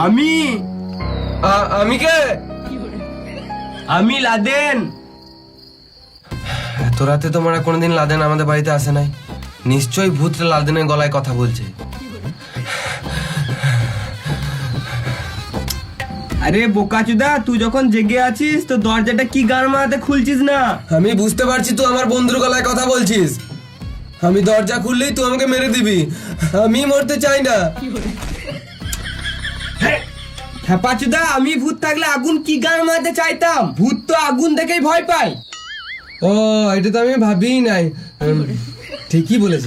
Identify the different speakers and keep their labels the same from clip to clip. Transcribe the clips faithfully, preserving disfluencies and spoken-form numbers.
Speaker 1: আমি
Speaker 2: আমি কে?
Speaker 1: আমি লাদেন।
Speaker 2: এত রাতে তোমরা কোনোদিন লাদেন আমাদের বাড়িতে আসে নাই? নিশ্চয়ই ভূতটা লাদেনের গলায় কথা বলছে।
Speaker 1: আরে বোকাচুদা, তুই যখন জেগে আছিস তো দরজাটা কি গান মারাতে খুলছিস না?
Speaker 2: আমি বুঝতে পারছি তুই আমার বন্ধুর গলায় কথা বলছিস। আমি দরজা খুললেই তুই আমাকে মেরে দিবি। আমি মরতে চাই না।
Speaker 1: হ্যাঁ পাচুদা, আমি ভূত থাকলে আগুন কি গান মারাতে চাইতাম? ভূত তো আগুন দেখেই ভয় পায়।
Speaker 2: ও, এটা তো আমি ভাবিই নাই। উম, ঠিকই বলেছে।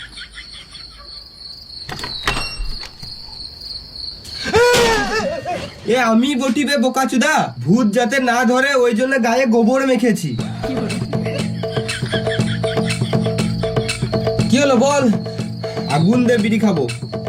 Speaker 1: এ আমি বটিবে বোকাচুদা, ভূত যাতে না ধরে ওই জন্য গায়ে গোবর মেখেছি।
Speaker 2: কি হলো বল?
Speaker 1: আগুন দিয়ে বিড়ি খাবো।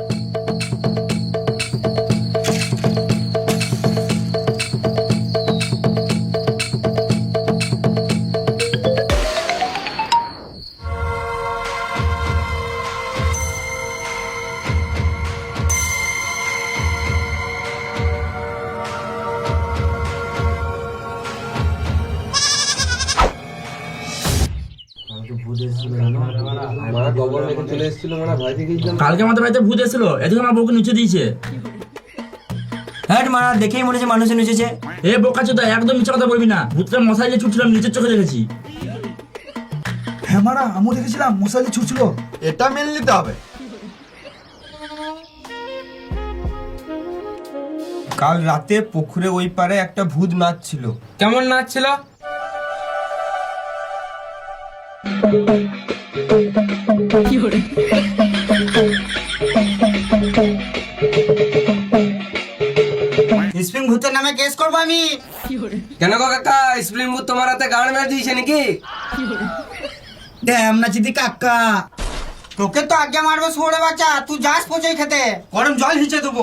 Speaker 3: কালকে আমাদের বাড়িতে ভূত এসেছিল, এদিকে আমার বউকে নিচে দিয়েছে।
Speaker 4: হ্যাঁ মারা, দেখেই মনে হচ্ছে মানুষের নিচেছে।
Speaker 3: এ বোকাচোদা, একদম মিথ্যা কথা বলবি না। ভূতটা মশাই যে ছুটছিলাম নিচের চোখে দেখেছি।
Speaker 5: হ্যাঁ মারা, আমিও দেখেছিলাম মশালি ছুটছিল।
Speaker 6: এটা মেনে নিতে হবে।
Speaker 1: কাল রাতে পুকুরে ওই পারে একটা ভূত নাচছিল।
Speaker 2: কেমন নাচছিল?
Speaker 4: স্প্রিং ভূতের নামে কেস করবো আমি।
Speaker 2: কেন গো কাকা, স্প্রিং ভূত তোমার হাতে গান মেরে দিয়েছে নাকি?
Speaker 4: ড্যাম না চিদি কাকা, তোকে তো আগে মারবে ছোড়ে বাচ্চা। তুই যাস পচে খেতে, গরম জল হিচে দেবো।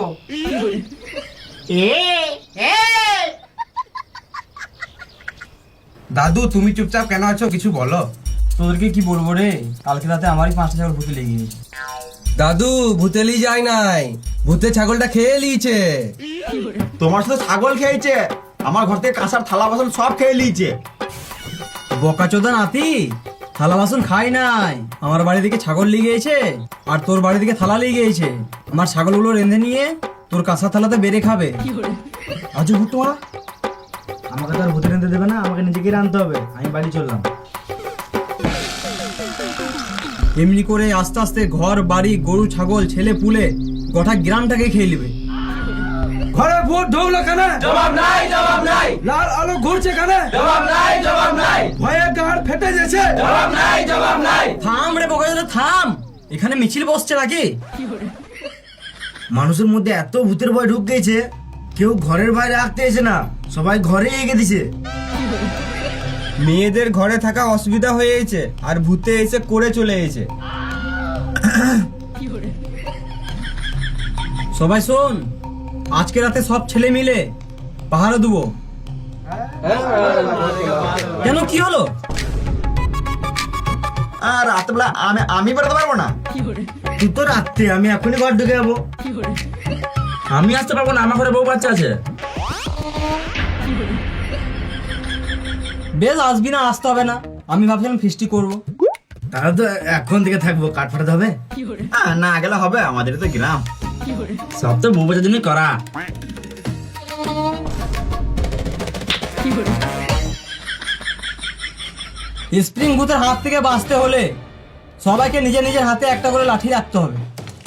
Speaker 6: দাদু, তুমি চুপচাপ কেন আছো? কিছু বলো।
Speaker 4: তোদেরকে কি বলবো রে, কালকে রাতে আমারই পাঁচটা ছাগল ভূতে লেগে গেছে।
Speaker 2: দাদু, ভূতেলি যায় নাই, ভূতে ছাগলটা খেয়ে লিয়েছে।
Speaker 6: তোমার সাথে ছাগল খেয়েছে, আমার ঘর থেকে কাঁসার থালা বাসন সব খেয়ে নিয়েছে।
Speaker 4: বকাচোদা নাতি, থালা বাসন খাই নাই। আমার বাড়ি থেকে ছাগল লিয়ে গিয়েছে আর তোর বাড়ি থেকে থালা লিয়ে গিয়েছে। আমার ছাগলগুলো রেঁধে নিয়ে তোর কাঁসার থালাতে বেড়ে খাবে।
Speaker 5: আজ ভূত তোমারা
Speaker 4: আমাকে তো আর ভূতে রেঁধে দেবে না, আমাকে নিজেকে রাঁধতে হবে। আমি বাড়ি চললাম। এমনি করে আস্তে আস্তে ঘর বাড়ি গরু ছাগল ছেলে পুলে গোটা গ্রামটাকে খেয়ে নেবে।
Speaker 5: ঘরে ভূত ঢুকলো কেন?
Speaker 2: জবাব নাই, জবাব নাই,
Speaker 5: লাল আলো ঘুরছে কেন?
Speaker 2: জবাব নাই, জবাব নাই,
Speaker 5: ভয়ে গাড় ফেটে গেছে।
Speaker 2: জবাব নাই, জবাব নাই।
Speaker 4: থাম রে বকাচোদা থাম, এখানে মিছিল বসছে নাকি? মানুষের মধ্যে এত ভূতের ভয় ঢুক গেছে, কেউ ঘরের বাইরে রাখতে এসে না, সবাই ঘরে এগিয়ে দিছে।
Speaker 1: মেয়েদের ঘরে থাকা অসুবিধা হয়েছে আর ভূতে এসে করে চলে এসেছে।
Speaker 4: সবাই শোন, আজকে রাতে সব ছেলে মিলে পাহারা দেবো। কেন, কি হলো?
Speaker 6: আর রাতবেলা আমি আমি বেরোতে পারবো না।
Speaker 4: তুই তো রাত্রে, আমি এখনই ঘর ঢুকে যাবো।
Speaker 3: আমি আসতে পারবো না, আমার ঘরে বউ বাচ্চা আছে।
Speaker 4: বেশ, আসবি না, আসতে হবে না। আমি ভাবছিলাম ফিস্টি করবো। তাহলে তো এখন থেকে থাকবো, কাঠ ফাটাতে হবে।
Speaker 6: আহ, না গেলে হবে, আমাদের তো গ্রাম।
Speaker 3: সব তো বউ বাচ্চার জন্যই করা।
Speaker 4: স্প্রিং ভূতের হাত থেকে বাঁচতে হলে সবাইকে নিজের নিজের হাতে একটা করে লাঠি রাখতে হবে।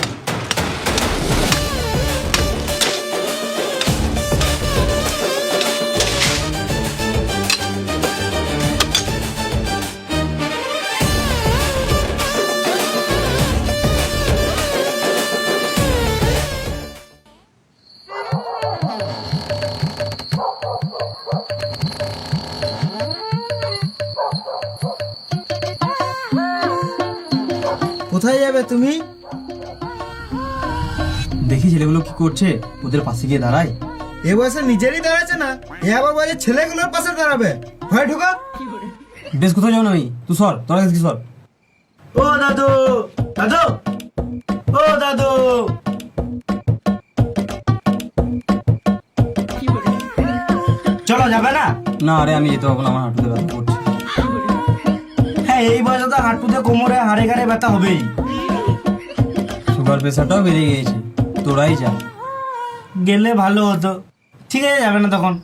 Speaker 4: কোথায় যাবে তুমি? দেখি ছেলেগুলো কি করছে, ওদের পাশে গিয়ে দাঁড়াই।
Speaker 5: এ বয়সে নিজেরই দাঁড়াচ্ছে না, এ আবার বলে ছেলেগুলোর পাশে দাঁড়াবে। হয় ঢুকা।
Speaker 4: বেশ, কোথায় যাবো না আমি, তুই সর, তোরা কি সর। ও দাদু, দাদু, ও দাদু। না আরে আমি যেতে পারবো না, আমার হাঁটুতে ব্যথা করছে।
Speaker 5: হ্যাঁ এই বয়সে তো হাঁটুতে কোমরে হাড়ে ঘাড়ে ব্যথা হবেই।
Speaker 4: সুগার প্রেশারটাও বেড়ে গিয়েছে, তোরাই যা।
Speaker 5: গেলে ভালো হতো। ঠিক আছে যাবে না তখন।